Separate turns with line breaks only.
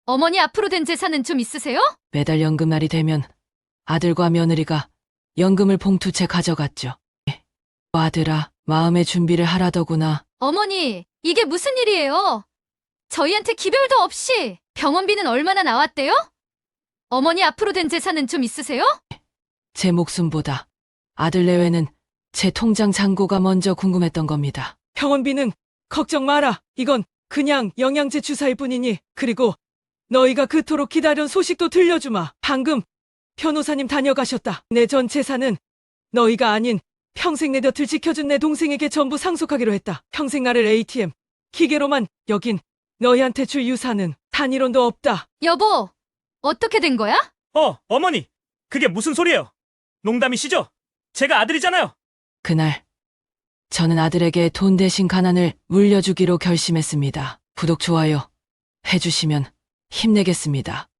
어머니 앞으로 된 재산은 좀 있으세요?
매달 연금날이 되면 아들과 며느리가 연금을 봉투채 가져갔죠. 아들아, 마음의 준비를 하라더구나.
어머니, 이게 무슨 일이에요? 저희한테 기별도 없이 병원비는 얼마나 나왔대요? 어머니 앞으로 된 재산은 좀 있으세요?
제 목숨보다 아들 내외는 제 통장 잔고가 먼저 궁금했던 겁니다. 병원비는 걱정 마라. 이건 그냥 영양제 주사일 뿐이니. 그리고 너희가 그토록 기다린 소식도 들려주마. 방금 변호사님 다녀가셨다. 내 전 재산은 너희가 아닌 평생 내 곁을 지켜준 내 동생에게 전부 상속하기로 했다. 평생 나를 ATM 기계로만 여긴 너희한테 줄 유산은 단일원도 없다.
여보, 어떻게 된 거야?
어머니. 그게 무슨 소리예요? 농담이시죠? 제가 아들이잖아요.
그날 저는 아들에게 돈 대신 가난을 물려주기로 결심했습니다. 구독, 좋아요 해주시면 힘내겠습니다.